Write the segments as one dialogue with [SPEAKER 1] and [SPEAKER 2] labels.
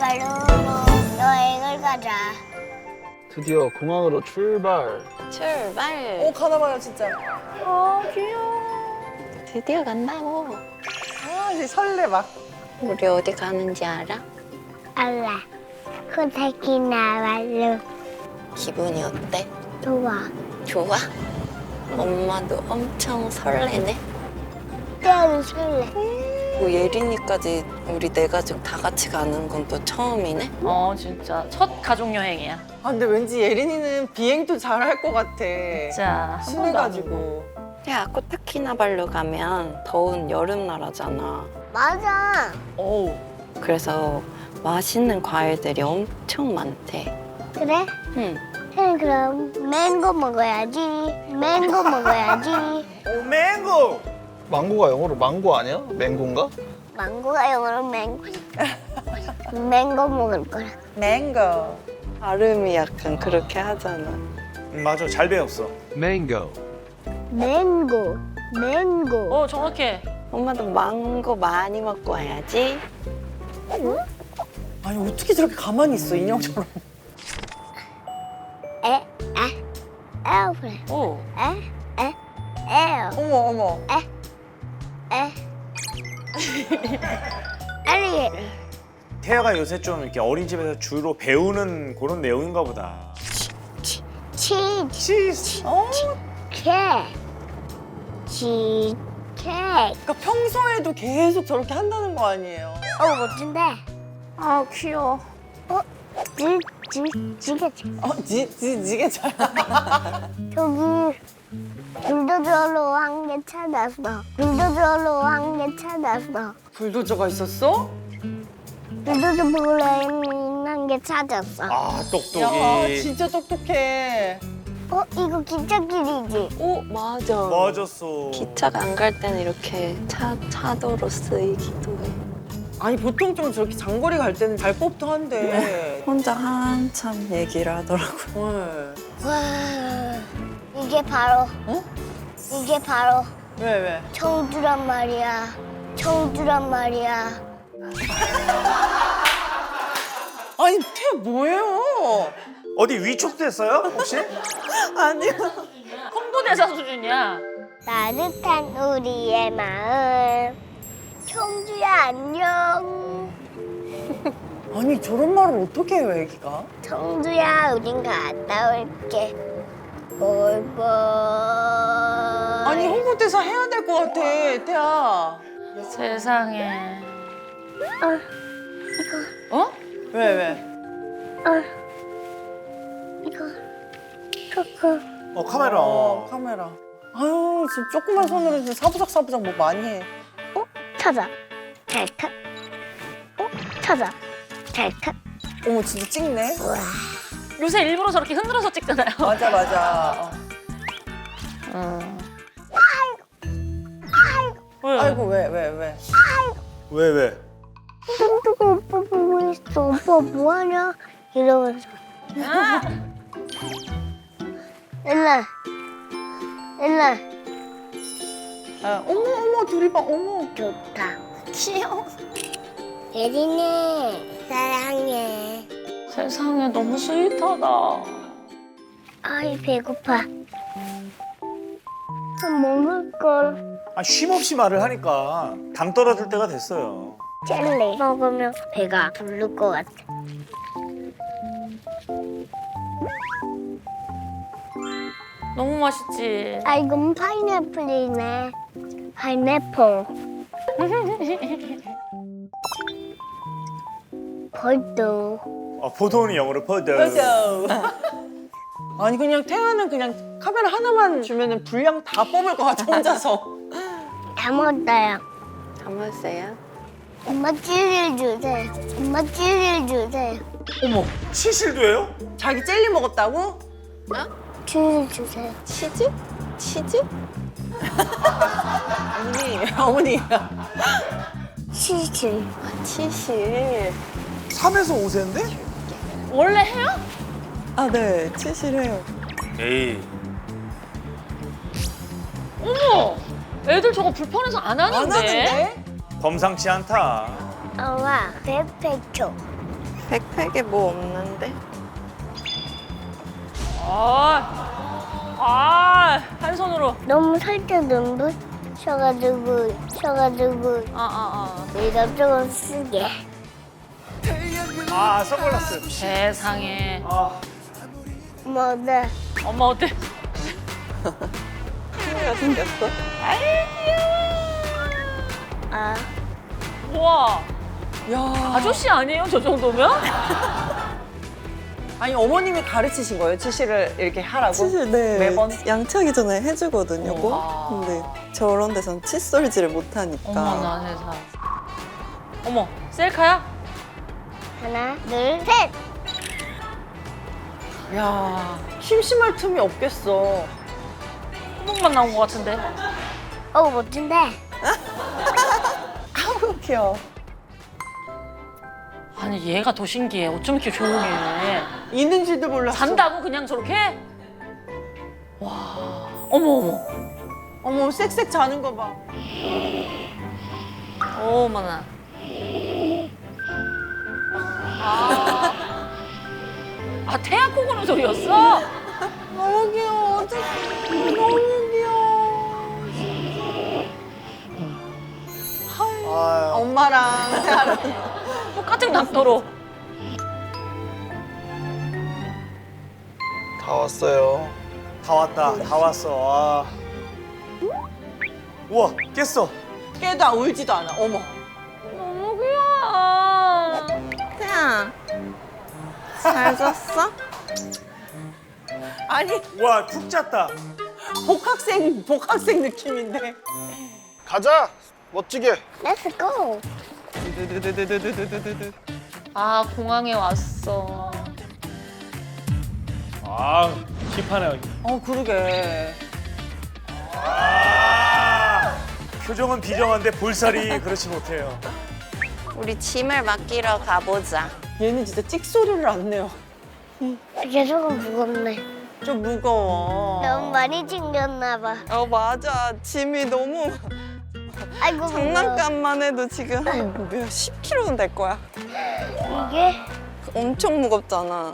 [SPEAKER 1] 카나발루로 여행을 가자.
[SPEAKER 2] 드디어 공항으로 출발.
[SPEAKER 3] 출발.
[SPEAKER 4] 오 가나봐요 진짜.
[SPEAKER 3] 드디어 간다고.
[SPEAKER 4] 아 이제 설레 막.
[SPEAKER 3] 우리 어디 가는지 알아?
[SPEAKER 1] 알라. 코타키나발루.
[SPEAKER 3] 기분이 어때?
[SPEAKER 1] 좋아.
[SPEAKER 3] 좋아? 엄마도 엄청 설레네.
[SPEAKER 1] 때로 설레.
[SPEAKER 3] 뭐 예린이까지 우리 네 가족 다 같이 가는 건 또 처음이네?
[SPEAKER 5] 진짜 첫 가족 여행이야.
[SPEAKER 4] 아 근데 왠지 예린이는 비행도 잘할 것 같아.
[SPEAKER 5] 진짜 한 번도 안
[SPEAKER 4] 순해가지고.
[SPEAKER 3] 야, 코타키나발루 가면 더운 여름 나라잖아.
[SPEAKER 1] 맞아.
[SPEAKER 5] 어우.
[SPEAKER 3] 그래서 맛있는 과일들이 엄청 많대.
[SPEAKER 1] 그래?
[SPEAKER 3] 응.
[SPEAKER 1] 그럼 맹고 먹어야지. 맹고 먹어야지.
[SPEAKER 2] 오, 맹고! 망고가 영어로 망고 아니야? 맹고인가?
[SPEAKER 1] 망고가 영어로 맹고. 맹고 먹을 거야.
[SPEAKER 4] 맹고.
[SPEAKER 3] 발음이 약간 그렇게 하잖아.
[SPEAKER 6] 맞아, 잘 배웠어.
[SPEAKER 2] Mango.
[SPEAKER 1] 맹고. 맹고.
[SPEAKER 5] 정확해.
[SPEAKER 3] 엄마도 망고 많이 먹고 와야지.
[SPEAKER 4] 아니 어떻게 저렇게 가만히 있어 인형처럼.
[SPEAKER 1] 에어플레인.
[SPEAKER 5] 오.
[SPEAKER 1] 에어.
[SPEAKER 4] 어머 어머.
[SPEAKER 1] 알리게이터.
[SPEAKER 6] 태아가 요새 좀 이렇게 어린이집에서 주로 배우는 그런 내용인가 보다.
[SPEAKER 1] 치즈.
[SPEAKER 6] 치즈.
[SPEAKER 1] 케이크. 치즈 케이크.
[SPEAKER 4] 그러니까 평소에도 계속 저렇게 한다는 거 아니에요?
[SPEAKER 1] 멋진데.
[SPEAKER 5] 귀여워.
[SPEAKER 1] 지게.
[SPEAKER 4] 지게 잘.
[SPEAKER 1] 저기 불도저로 한 개 찾았어. 불도저로 한 개 찾았어.
[SPEAKER 4] 불도저가 있었어?
[SPEAKER 1] 불도저 플레인 한 개 찾았어.
[SPEAKER 6] 아,
[SPEAKER 4] 야
[SPEAKER 6] 똑똑이.
[SPEAKER 4] 진짜 똑똑해.
[SPEAKER 1] 이거 기찻길이지?
[SPEAKER 3] 오, 맞아.
[SPEAKER 6] 맞았어.
[SPEAKER 3] 기차가 안 갈 때는 이렇게 차도로 쓰이기도 해.
[SPEAKER 4] 아니 보통 좀 저렇게 장거리 갈 때는 잘 법도 한데.
[SPEAKER 3] 혼자 한참 얘기를 하더라고요.
[SPEAKER 4] 네.
[SPEAKER 1] 와, 이게 바로
[SPEAKER 4] 어?
[SPEAKER 1] 이게 바로
[SPEAKER 4] 왜?
[SPEAKER 1] 청주란 말이야. 청주란 말이야.
[SPEAKER 4] 아니 태아 뭐예요?
[SPEAKER 6] 어디 위촉됐어요, 혹시?
[SPEAKER 4] 아니요.
[SPEAKER 5] 홍보대사 수준이야.
[SPEAKER 1] 따뜻한 우리의 마음. 청주야 안녕.
[SPEAKER 4] 아니 저런 말을 어떻게 해요 애기가?
[SPEAKER 1] 청주야 우린 갔다 올게. 볼볼.
[SPEAKER 4] 아니 홍보대사 해야 될 것 같아 태아.
[SPEAKER 5] 세상에.
[SPEAKER 1] 이거
[SPEAKER 5] 어?
[SPEAKER 4] 왜?
[SPEAKER 1] 이거 초코.
[SPEAKER 6] 카메라.
[SPEAKER 4] 카메라. 아유 지금 조그만 손으로 지금 사부작 뭐 많이 해.
[SPEAKER 1] 찾아. 찰칵. 찾아. 찰칵.
[SPEAKER 4] 어머 진짜 찍네.
[SPEAKER 1] 우와.
[SPEAKER 5] 요새 일부러 저렇게 흔들어서 찍잖아요.
[SPEAKER 4] 맞아.
[SPEAKER 5] 왜?
[SPEAKER 4] 아이고 왜?
[SPEAKER 6] 왜?
[SPEAKER 1] 뚱뚱 오빠 보고 있어. 오빠 뭐하냐? 이러면서. 옛날
[SPEAKER 4] 아, 어머 둘이 봐 어머.
[SPEAKER 1] 좋다.
[SPEAKER 3] 귀여워.
[SPEAKER 1] 예린이 사랑해.
[SPEAKER 5] 세상에 너무 스윗하다.
[SPEAKER 1] 아이 배고파. 먹을 걸.
[SPEAKER 6] 아, 쉼없이 말을 하니까 당 떨어질 때가 됐어요.
[SPEAKER 1] 젤리 먹으면 배가 부를 것 같아.
[SPEAKER 5] 너무 맛있지.
[SPEAKER 1] 아 이건 파인애플이네. 파인애플. 벌도.
[SPEAKER 6] 보통은 영어로 퍼드.
[SPEAKER 4] 아니 그냥 태아는 그냥 카메라 하나만 주면은 분량 다 뽑을 것 같아 혼자서.
[SPEAKER 1] 다 먹었어요.
[SPEAKER 3] 다 먹었어요?
[SPEAKER 1] 엄마 찌를 주세요. 엄마 찌를 주세요.
[SPEAKER 4] 어머
[SPEAKER 6] 치실도 해요?
[SPEAKER 4] 자기 젤리 먹었다고?
[SPEAKER 1] 찌를 주세요.
[SPEAKER 3] 치즈? 치즈?
[SPEAKER 4] 어머니.
[SPEAKER 1] 치즈.
[SPEAKER 3] 아, 치실.
[SPEAKER 6] 3에서 5세인데?
[SPEAKER 5] 원래 해요?
[SPEAKER 4] 아 네 치실해요.
[SPEAKER 6] 에이.
[SPEAKER 5] 어머! 애들 저거 불편해서 안 하는데?
[SPEAKER 4] 안 하는데?
[SPEAKER 6] 범상치 않다.
[SPEAKER 1] 엄마 페페초.
[SPEAKER 3] 백팩에 뭐 없는데?
[SPEAKER 5] 한 손으로.
[SPEAKER 1] 너무 살짝 눈부셔가지고 이것저것 쓰게.
[SPEAKER 6] 아 선글라스.
[SPEAKER 5] 세상에.
[SPEAKER 6] 아
[SPEAKER 1] 뭐 네.
[SPEAKER 5] 엄마 어때?
[SPEAKER 3] 카메라 생겼어?
[SPEAKER 1] 아
[SPEAKER 5] 우와.
[SPEAKER 4] 야.
[SPEAKER 5] 아저씨 아니에요? 저 정도면?
[SPEAKER 4] 아니 어머님이 가르치신 거예요? 치실을 이렇게 하라고?
[SPEAKER 3] 치실 네
[SPEAKER 4] 매번?
[SPEAKER 3] 양치하기 전에 해주거든요. 꼭.
[SPEAKER 5] 아.
[SPEAKER 3] 근데 저런 데선 칫솔질을 못하니까.
[SPEAKER 5] 어머나 세상. 어머 셀카야?
[SPEAKER 1] 하나 둘 셋.
[SPEAKER 4] 야 심심할 틈이 없겠어.
[SPEAKER 5] 한복만 나온 것 같은데.
[SPEAKER 1] 멋진데.
[SPEAKER 4] 아우 귀여워.
[SPEAKER 5] 아니 얘가 더 신기해. 어쩜 이렇게 조용해.
[SPEAKER 4] 있는지도 몰랐어.
[SPEAKER 5] 잔다고 그냥 저렇게? 와. 어머.
[SPEAKER 4] 어머 쌕쌕 자는 거 봐.
[SPEAKER 5] 어머나. 태아 코 고는 소리였어?
[SPEAKER 4] 너무 귀여워. 어떡해. 너무 귀여워.
[SPEAKER 6] 아유.
[SPEAKER 4] 엄마랑 태아랑.
[SPEAKER 5] 똑같은 각도로.
[SPEAKER 2] 다 왔어요.
[SPEAKER 6] 다 왔다. 다 왔어. 와. 우와 깼어.
[SPEAKER 4] 깨도 울지도 않아. 어머.
[SPEAKER 5] 너무 귀여워.
[SPEAKER 3] 태아, 잘 잤어?
[SPEAKER 4] 아니
[SPEAKER 6] 와 푹 잤다.
[SPEAKER 4] 복학생 느낌인데.
[SPEAKER 2] 가자. 멋지게.
[SPEAKER 1] Let's go.
[SPEAKER 5] 아 공항에 왔어.
[SPEAKER 6] 아 힙하네.
[SPEAKER 4] 그러게.
[SPEAKER 6] 아 표정은 비정한데 볼살이 그렇지 못해요.
[SPEAKER 3] 우리 짐을 맡기러 가보자.
[SPEAKER 4] 얘는 진짜 찍소리를 안 내요.
[SPEAKER 1] 이게 조금 무겁네.
[SPEAKER 4] 좀 무거워.
[SPEAKER 1] 너무 많이 챙겼나 봐.
[SPEAKER 3] 맞아. 짐이 너무
[SPEAKER 1] 아이고 무거워.
[SPEAKER 3] 장난감만 해도 지금 한 10kg는 될 거야.
[SPEAKER 1] 이게
[SPEAKER 3] 엄청 무겁잖아.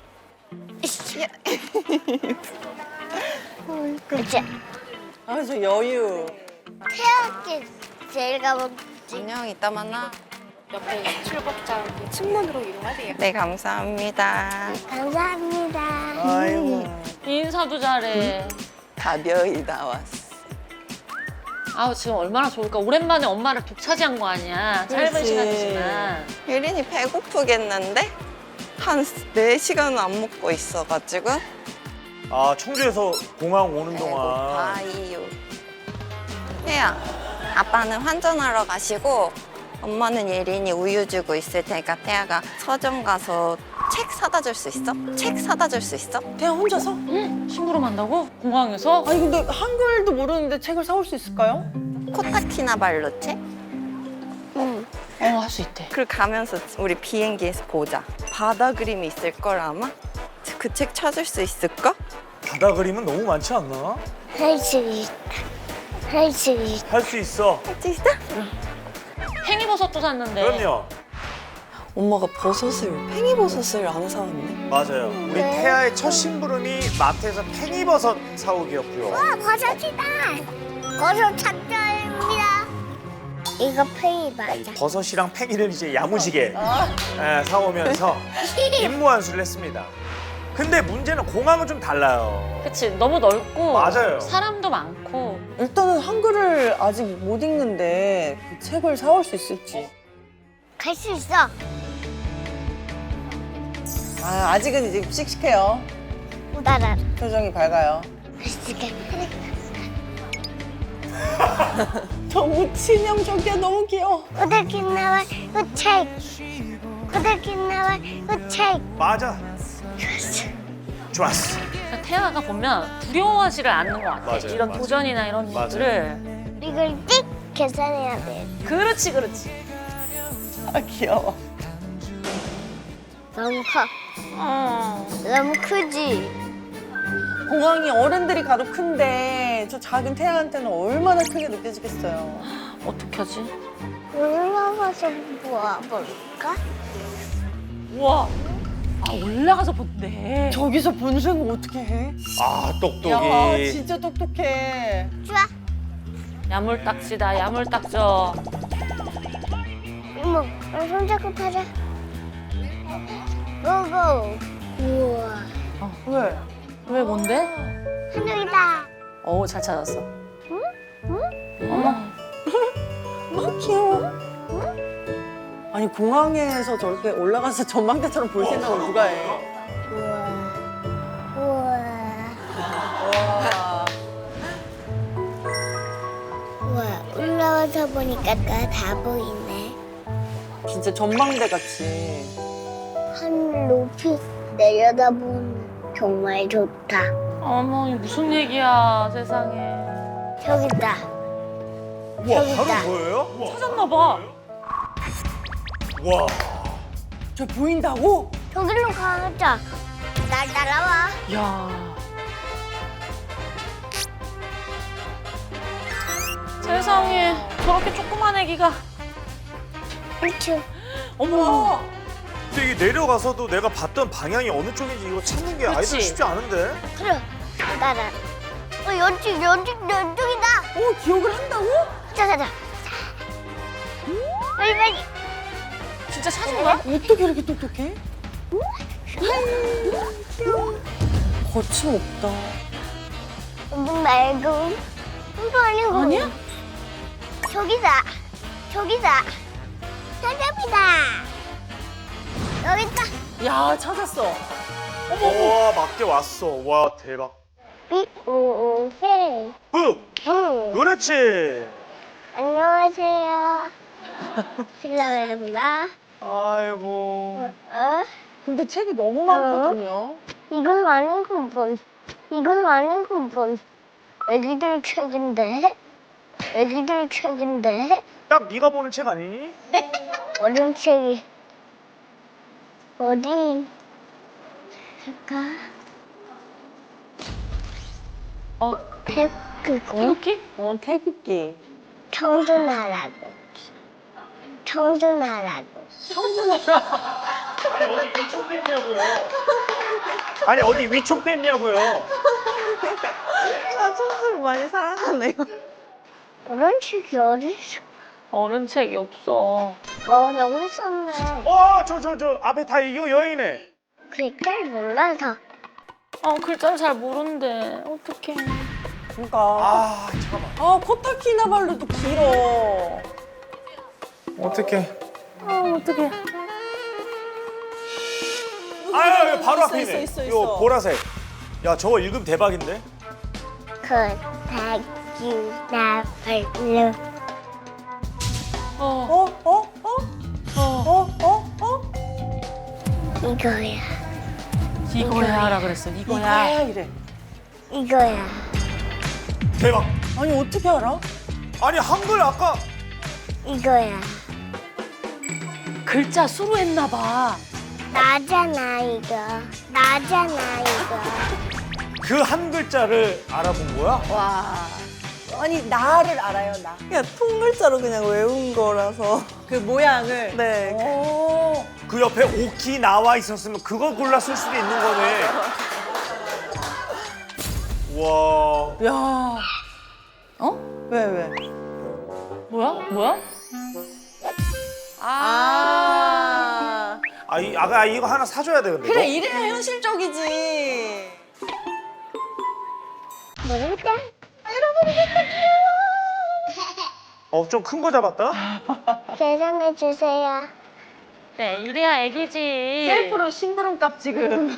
[SPEAKER 1] 그치.
[SPEAKER 4] 저 여유.
[SPEAKER 1] 태양계 제일 가본.
[SPEAKER 3] 안녕, 이따 만나.
[SPEAKER 7] 옆에 출국자 측문으로 이용하세요.
[SPEAKER 3] 네, 감사합니다.
[SPEAKER 1] 감사합니다.
[SPEAKER 6] 아이고.
[SPEAKER 5] 인사도 잘해.
[SPEAKER 3] 가벼이 나왔어.
[SPEAKER 5] 아우 지금 얼마나 좋을까. 오랜만에 엄마를 독차지한 거 아니야. 짧은
[SPEAKER 4] 그렇지.
[SPEAKER 5] 시간이지만.
[SPEAKER 3] 혜린이 배고프겠는데? 한 4시간은 안 먹고 있어가지고.
[SPEAKER 6] 아 청주에서 공항 오는 동안.
[SPEAKER 3] 배고파요. 혜야, 아빠는 환전하러 가시고 엄마는 예린이 우유 주고 있을 테니까 태아가 서점 가서 책 사다 줄 수 있어? 책 사다 줄 수 있어?
[SPEAKER 4] 태아 혼자서?
[SPEAKER 5] 심부름한다고? 공항에서?
[SPEAKER 4] 아니 근데 한글도 모르는데 책을 사올 수 있을까요?
[SPEAKER 3] 코타키나발루 책?
[SPEAKER 5] 할 수 있대.
[SPEAKER 3] 그리고 가면서 우리 비행기에서 보자. 바다 그림이 있을 걸 아마? 그 책 찾을 수 있을까?
[SPEAKER 6] 바다 그림은 너무 많지 않나?
[SPEAKER 1] 할 수 있다. 할 수 있다.
[SPEAKER 6] 할 수 있어.
[SPEAKER 3] 진짜?
[SPEAKER 5] 팽이버섯도 샀는데.
[SPEAKER 6] 그럼요.
[SPEAKER 3] 엄마가 팽이버섯을 안 사왔네.
[SPEAKER 6] 맞아요. 우리 태아의 첫 심부름이 마트에서 팽이버섯 사오기였고요.
[SPEAKER 1] 버섯이다. 버섯 작전입니다. 이거 페이 맞아.
[SPEAKER 6] 버섯이랑 팽이를 이제 야무지게 사오면서 임무 완수를 했습니다. 근데 문제는 공항은 좀 달라요.
[SPEAKER 5] 그치 너무 넓고
[SPEAKER 6] 맞아요.
[SPEAKER 5] 사람도 많고.
[SPEAKER 4] 일단은 한글을 아직 못 읽는데 그 책을 사올 수 있을지.
[SPEAKER 1] 갈 수 있어.
[SPEAKER 4] 아직은 이제 씩씩해요.
[SPEAKER 1] 따라.
[SPEAKER 3] 표정이 밝아요.
[SPEAKER 4] 너무 치명적이야. 너무 귀여워.
[SPEAKER 1] 코타키나발 우책. 코타키나발 우책.
[SPEAKER 6] 맞아. 좋았어.
[SPEAKER 5] 그러니까 태아가 보면 두려워하지를 않는 것 같아.
[SPEAKER 6] 맞아요,
[SPEAKER 5] 이런
[SPEAKER 6] 맞아요.
[SPEAKER 5] 도전이나 이런
[SPEAKER 6] 맞아요.
[SPEAKER 5] 것들을.
[SPEAKER 1] 이걸 띡 계산해야 돼.
[SPEAKER 5] 그렇지 그렇지.
[SPEAKER 4] 아 귀여워.
[SPEAKER 1] 너무 커. 너무 크지?
[SPEAKER 4] 공항이 어른들이 가도 큰데 저 작은 태아한테는 얼마나 크게 느껴지겠어요.
[SPEAKER 5] 어떡하지?
[SPEAKER 1] 올라가서 모아볼까?
[SPEAKER 5] 우와. 아, 올라가서 본대.
[SPEAKER 4] 저기서 본 생각 어떻게 해?
[SPEAKER 6] 아
[SPEAKER 4] 야,
[SPEAKER 6] 똑똑이.
[SPEAKER 4] 진짜 똑똑해.
[SPEAKER 1] 좋아.
[SPEAKER 5] 야물딱지다, 야물딱져.
[SPEAKER 1] 이모, 우리 손잡고 타자. 고고. 우와.
[SPEAKER 4] 왜?
[SPEAKER 5] 왜 뭔데?
[SPEAKER 1] 한정이다.
[SPEAKER 5] 오, 잘 찾았어.
[SPEAKER 4] 너무 귀여워. 아니 공항에서 저렇게 올라가서 전망대처럼 볼 생각을 누가 해?
[SPEAKER 1] 우와. 우와.
[SPEAKER 4] 와.
[SPEAKER 1] 우와. 올라와서 보니까 다 보이네.
[SPEAKER 4] 진짜 전망대 같이.
[SPEAKER 1] 하늘 높이 내려다보는 정말 좋다.
[SPEAKER 5] 어머, 이게 무슨 얘기야, 세상에.
[SPEAKER 1] 저기다.
[SPEAKER 6] 우와
[SPEAKER 1] 저기다.
[SPEAKER 6] 바로 보여요?
[SPEAKER 5] 찾았나 봐.
[SPEAKER 6] 와.
[SPEAKER 4] 저 보인다고?
[SPEAKER 1] 저길로 가자. 날 따라와.
[SPEAKER 5] 야. 세상에, 저렇게 조그만 애기가.
[SPEAKER 1] 그렇죠.
[SPEAKER 5] 어머.
[SPEAKER 6] 근데 이게 내려가서도 내가 봤던 방향이 어느 쪽인지 이거 찾는 게 아이들
[SPEAKER 5] 그치?
[SPEAKER 6] 쉽지 않은데.
[SPEAKER 1] 그래. 따라. 연쪽이다.
[SPEAKER 4] 기억을 한다고?
[SPEAKER 1] 가자. 빨리.
[SPEAKER 5] 진짜 찾은 거야?
[SPEAKER 4] 어떻게 이렇게 똑똑해? 거침없다.
[SPEAKER 1] 눈 말고. 눈도 아니고.
[SPEAKER 5] 아니야?
[SPEAKER 1] 저기다. 사자비다. 여기 있다.
[SPEAKER 4] 야 찾았어.
[SPEAKER 6] 와 맞게 왔어. 와 대박.
[SPEAKER 1] 삐오오헤이.
[SPEAKER 6] 그렇지.
[SPEAKER 1] 안녕하세요. 실례합니다.
[SPEAKER 6] 아이고.
[SPEAKER 4] 근데 책이 너무 많거든요.
[SPEAKER 1] 이건 아닌 건. 애기들 책인데.
[SPEAKER 6] 딱 네가 보는 책 아니니?
[SPEAKER 1] 어린 책이. 어디? 잠깐. 태극기.
[SPEAKER 5] 이렇게?
[SPEAKER 4] 태극기.
[SPEAKER 1] 청준하라고.
[SPEAKER 6] 아니 어디 위촉 뺐냐고요?
[SPEAKER 4] 아 청소를 많이 사랑하네요.
[SPEAKER 1] 어른 책이 어딨어?
[SPEAKER 5] 어른 책이 없어.
[SPEAKER 1] 여기 있었네.
[SPEAKER 6] 저 앞에 다 이거 여행이네.
[SPEAKER 1] 글자를 몰라서.
[SPEAKER 5] 글자를 잘 모르는데. 어떡해.
[SPEAKER 4] 그러니까.
[SPEAKER 6] 아 잠깐만.
[SPEAKER 4] 코타키나발루도 길어.
[SPEAKER 6] 어떡해.
[SPEAKER 5] 어떡해.
[SPEAKER 6] 아유 바로
[SPEAKER 4] 있어,
[SPEAKER 6] 앞에 있네.
[SPEAKER 4] 있어.
[SPEAKER 6] 이거 보라색. 야 저거 읽으면 대박인데?
[SPEAKER 1] 코타키나발루. 이거야.
[SPEAKER 5] 이거야라 그랬어. 이거야.
[SPEAKER 4] 이래.
[SPEAKER 1] 이거야.
[SPEAKER 6] 대박.
[SPEAKER 4] 아니 어떻게 알아?
[SPEAKER 6] 아니 한글 아까
[SPEAKER 1] 이거야.
[SPEAKER 5] 글자 수로 했나 봐.
[SPEAKER 1] 나잖아 이거.
[SPEAKER 6] 그 한 글자를 알아본 거야?
[SPEAKER 4] 와. 아니 나를 알아요 나. 그냥 통글자로 그냥 외운 거라서 그 모양을. 네. 오.
[SPEAKER 6] 그 옆에 오키 나와 있었으면 그걸 골라 쓸 수도 있는 거네. 와.
[SPEAKER 4] 야. 왜?
[SPEAKER 5] 뭐야?
[SPEAKER 4] 아.
[SPEAKER 6] 아가 이거 하나 사줘야 돼 근데.
[SPEAKER 4] 그래 이래야 현실적이지.
[SPEAKER 1] 모르겠다.
[SPEAKER 6] 좀 큰 거 잡았다.
[SPEAKER 1] 계산해 주세요.
[SPEAKER 5] 네, 이래야 애기지.
[SPEAKER 4] 셀프로 심부름값 지금.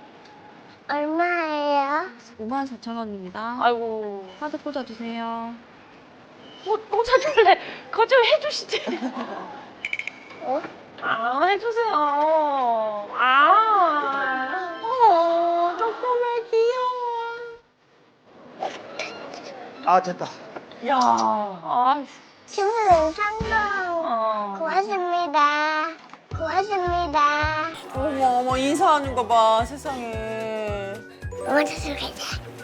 [SPEAKER 1] 얼마예요?
[SPEAKER 7] 54,000원입니다.
[SPEAKER 5] 아이고.
[SPEAKER 7] 카드 꽂아주세요.
[SPEAKER 5] 꽂아줄래? 그거 좀 해주시지.
[SPEAKER 1] 어?
[SPEAKER 5] 해주세요.
[SPEAKER 4] 조금만 귀여워.
[SPEAKER 6] 됐다.
[SPEAKER 4] 야.
[SPEAKER 1] 친구는 성공. 고맙습니다.
[SPEAKER 4] 어머 인사하는 거 봐 세상에.
[SPEAKER 1] 엄마 찾으러 가자.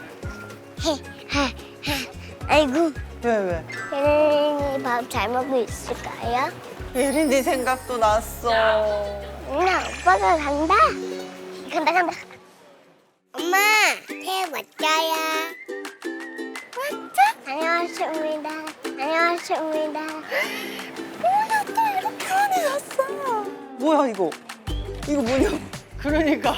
[SPEAKER 1] 아이고.
[SPEAKER 4] 왜?
[SPEAKER 1] 혜린이 밥 잘 먹고 있을까요?
[SPEAKER 4] 예린이 생각도 났어.
[SPEAKER 1] 누나, 오빠 엄마가 간다. 간다 간다. 엄마, 새 왔자야. 왔자? 안녕하십니다. 안녕하십니다. 뭐야, 또 이렇게 많이 샀어.
[SPEAKER 4] 뭐야 이거? 이거 뭐냐? 그러니까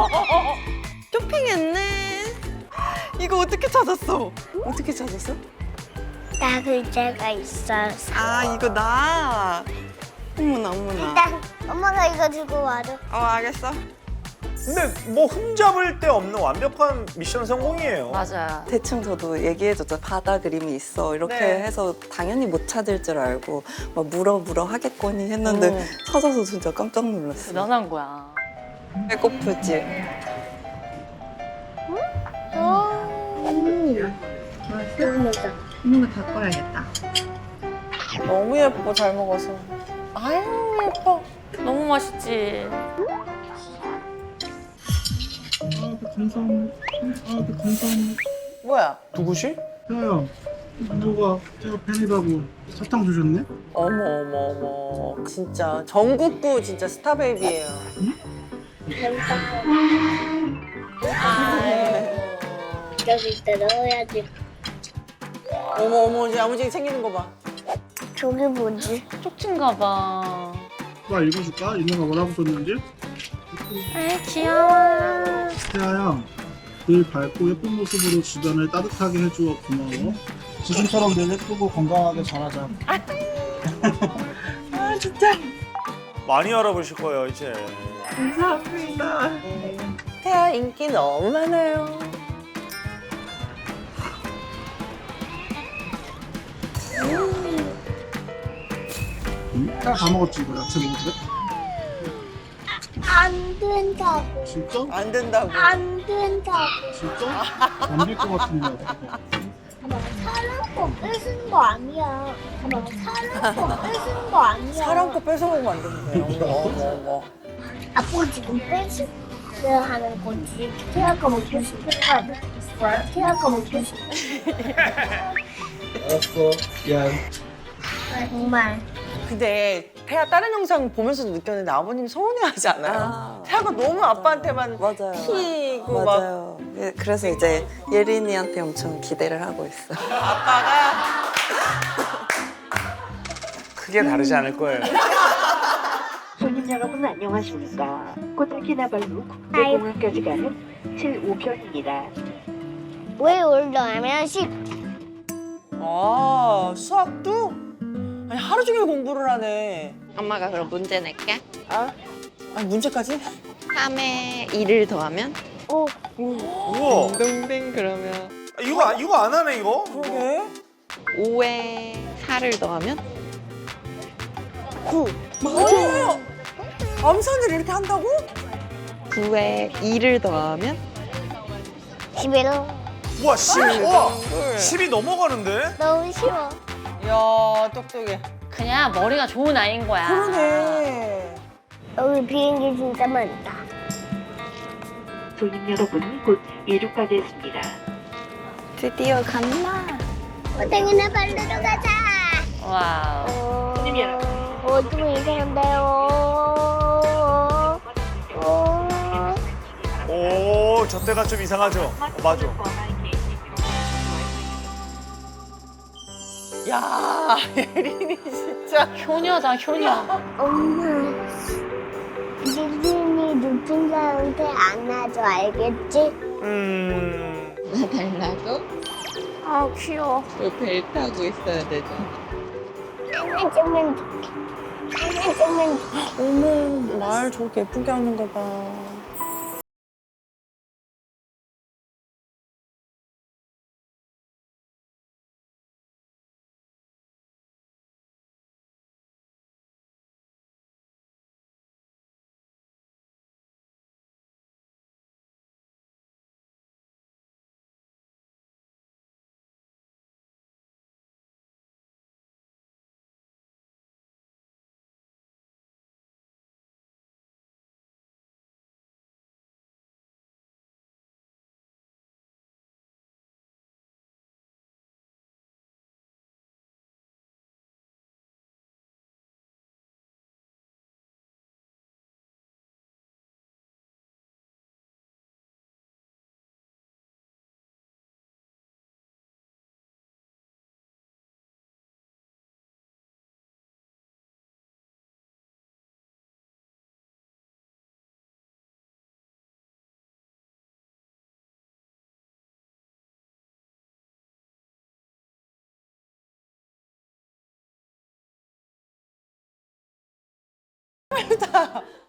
[SPEAKER 3] 쇼핑했네.
[SPEAKER 4] 이거 어떻게 찾았어? 어떻게 찾았어?
[SPEAKER 1] 나 글자가 있어서.
[SPEAKER 4] 아 이거 나. 어머나 어머나.
[SPEAKER 1] 일단 엄마가 이거 들고 와줘.
[SPEAKER 4] 알겠어.
[SPEAKER 6] 근데 뭐 흠잡을 데 없는 완벽한 미션 성공이에요.
[SPEAKER 3] 맞아.
[SPEAKER 8] 대충 저도 얘기해줬죠. 바다 그림이 있어. 이렇게
[SPEAKER 4] 네.
[SPEAKER 8] 해서 당연히 못 찾을 줄 알고 막 물어 하겠거니 했는데 찾아서 진짜 깜짝 놀랐어요.
[SPEAKER 5] 대단한 거야.
[SPEAKER 8] 배고프지?
[SPEAKER 4] 너무 예뻐 잘 먹어서. 아유 예뻐.
[SPEAKER 5] 너무 맛있지.
[SPEAKER 4] 뭐야?
[SPEAKER 6] 누구시?
[SPEAKER 9] 태아야, 누가 태아 팬이라고 사탕 주셨네?
[SPEAKER 4] 어머 어머 어머. 진짜 전국구 진짜 스타베이비예요.
[SPEAKER 1] 여기다 넣어야지.
[SPEAKER 4] 어머 어머 이제 야무지게 챙기는 거 봐.
[SPEAKER 1] 저기 뭐지?
[SPEAKER 5] 쪽진가 봐.
[SPEAKER 9] 나 읽어줄까? 이모가 뭐라고 썼는지?
[SPEAKER 1] 아, 귀여워.
[SPEAKER 9] 태아야, 늘 밝고 예쁜 모습으로 주변을 따뜻하게 해주어 고마워. 지금처럼 늘 예쁘고 건강하게 자라자.
[SPEAKER 6] 많이 알아보실 거예요 이제.
[SPEAKER 4] 태아 인기 너무 많아요.
[SPEAKER 9] 응? 태아 다 먹었지 이거 야채 먹어도 돼?
[SPEAKER 1] 안 된다고.
[SPEAKER 9] 진짜?
[SPEAKER 4] 안 된다고.
[SPEAKER 1] 안 된다고.
[SPEAKER 9] 진짜? 안 될 것 같은데.
[SPEAKER 1] 엄마, 사람 거 뺏은 거 아니야. 엄마, 사람 거 뺏은 거 아니야.
[SPEAKER 4] 사람 거 뺏어먹으면 안 되는데. 어머 어머 어머.
[SPEAKER 1] 아빠 지금 뺏으려 하는 거지. 태아 거 먹고 싶은 거 아니야? 태아 거 먹고 싶은
[SPEAKER 9] 알았어. 미안.
[SPEAKER 1] 거 정말.
[SPEAKER 4] 근데 태아 다른 영상 보면서도 느꼈는데 아버님 서운해하지 않아요?
[SPEAKER 8] 아.
[SPEAKER 4] 태아가 너무 아빠한테만
[SPEAKER 8] 맞아요.
[SPEAKER 4] 튀고 막
[SPEAKER 8] 맞아요. 예, 그래서 이제 예린이한테 엄청 기대를 하고 있어.
[SPEAKER 4] 아빠가
[SPEAKER 6] 크게 다르지 않을 거예요.
[SPEAKER 10] 손님 여러분 안녕하십니까. 코타키나발루 국제공항까지 가는 75편입니다.
[SPEAKER 1] 왜 올라가면 10?
[SPEAKER 4] 수학도? 아니 하루 종일 공부를 하네.
[SPEAKER 3] 엄마가 그럼 문제 낼게.
[SPEAKER 4] 아니 문제까지?
[SPEAKER 3] 3에 2를 더하면?
[SPEAKER 1] 오.
[SPEAKER 6] 우와.
[SPEAKER 3] 뱅뱅 그러면.
[SPEAKER 6] 이거 안 하네 이거.
[SPEAKER 4] 그러게.
[SPEAKER 3] 5에 4를 더하면?
[SPEAKER 1] 9.
[SPEAKER 4] 맞아요. 암산을 이렇게 한다고?
[SPEAKER 3] 9에 2를 더하면?
[SPEAKER 1] 11.
[SPEAKER 6] 우와 10. 우와 10이 넘어가는데?
[SPEAKER 1] 너무 쉬워.
[SPEAKER 4] 이야 똑똑해.
[SPEAKER 5] 그냥 머리가 좋은 아이인 거야.
[SPEAKER 4] 그러네.
[SPEAKER 1] 여기 비행기 진짜 많다.
[SPEAKER 10] 손님 여러분 곧 이륙하겠습니다.
[SPEAKER 3] 드디어 간다.
[SPEAKER 1] 호텔이나 발르러 가자.
[SPEAKER 5] 와우.
[SPEAKER 10] 손님 여러분.
[SPEAKER 1] 좀 이상한데요.
[SPEAKER 6] 오, 저 때가 좀 이상하죠? 맞아.
[SPEAKER 4] 야 예린이 진짜.
[SPEAKER 5] 효녀다, 효녀.
[SPEAKER 1] 엄마, 릴린이 높은 사람한테 안아줘, 알겠지?
[SPEAKER 3] 나 달라고? 아 귀여워. 배 타고 있어야 되죠.
[SPEAKER 1] 안아주면 좋게. 안아주면 좋게.
[SPEAKER 4] 어머 말 저렇게 예쁘게 하는 거 봐. 빨리 타.